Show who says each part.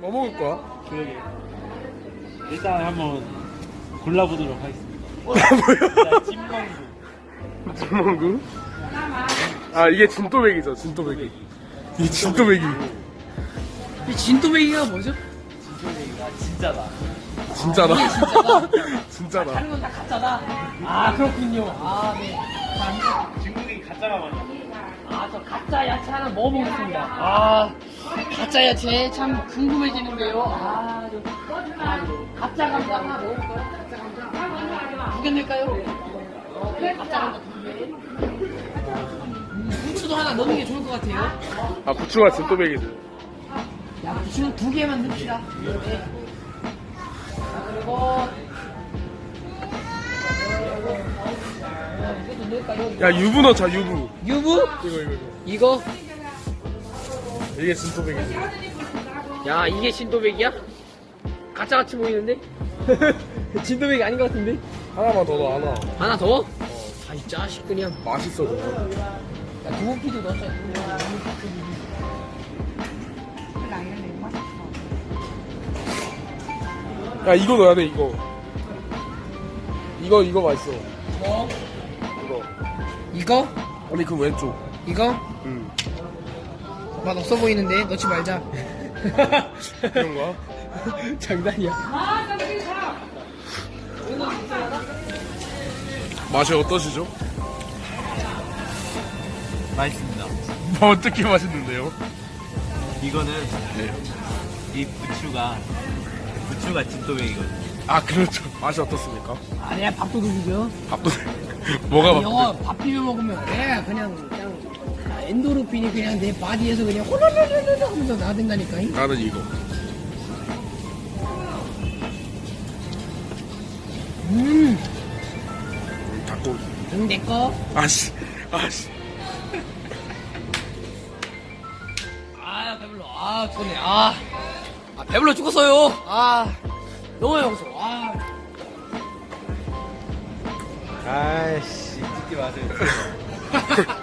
Speaker 1: 뭐 먹을 거야?
Speaker 2: 그러게. 일단 한번 골라보도록 하겠습니다.
Speaker 1: 뭐야?
Speaker 2: 자, 찐망구.
Speaker 1: 진망구? 아 이게 진또배기죠 진또배기. 이 진또배기.
Speaker 3: 이 진또배기가 뭐죠?
Speaker 2: 진또배기가 진짜다.
Speaker 1: 진짜다.
Speaker 3: 진짜다.
Speaker 1: 진짜다.
Speaker 3: 다른 건 다 가짜다. 아 그렇군요. 아 네.
Speaker 2: 중국인 가짜가 많아.
Speaker 3: 아저 가짜 야채 하나 먹어보겠습니다. 아 가짜 야채 참 궁금해지는데요. 가짜 감자 하나 먹어볼까요? 가짜 감자 두 개 낼까요? 네, 가짜 감자 두 개. 후추도 하나 넣는 게 좋을 것 같아요.
Speaker 1: 아 부추가 진또배기지.
Speaker 3: 야 부추는 두 개만 넣읍시다. 네. 자, 그리고 이것도 넣을까요?
Speaker 1: 야 유부 넣자 유부.
Speaker 3: 유부?
Speaker 1: 이거.
Speaker 3: 이거?
Speaker 1: 이게 진또배기지.
Speaker 3: 야 이게 진도백이야? 가짜같이 보이는데? 진도백이 아닌 것 같은데?
Speaker 1: 하나만 더 넣어 하나.
Speaker 3: 하나 더? 아이 자식 그냥
Speaker 1: 맛있어 그냥.
Speaker 3: 야 두부피도 넣었자.
Speaker 1: 야 이거 넣어야 돼 이거. 이거 맛있어.
Speaker 3: 뭐?
Speaker 1: 이거.
Speaker 3: 이거?
Speaker 1: 아니 그 왼쪽.
Speaker 3: 이거?
Speaker 1: 응.
Speaker 3: 맛 없어 보이는데 넣지 말자.
Speaker 1: 그런 거야?
Speaker 3: 장난이야.
Speaker 1: 맛이 어떠시죠?
Speaker 2: 맛있습니다.
Speaker 1: 뭐 어떻게 맛있는데요?
Speaker 2: 이거는
Speaker 1: 네.
Speaker 2: 이 부추가 진또배기거든.
Speaker 1: 아 그렇죠. 맛이 어떻습니까?
Speaker 3: 아니야 밥도둑이죠.
Speaker 1: 밥도 뭐가
Speaker 3: 영어
Speaker 1: 밥도
Speaker 3: 밥 비벼 먹으면 그냥 엔도르핀이 그냥 내 바디에서 그냥 홀랄랄랄랄 하면서 나댄다니까.
Speaker 1: 나는 이거. 닭고기.
Speaker 3: 내꺼.
Speaker 1: 아씨.
Speaker 3: 아 배불러. 아 좋네. 아 배불러 죽었어요. 아 너무 배고서. 아
Speaker 2: 아이씨, 찍지 마세요.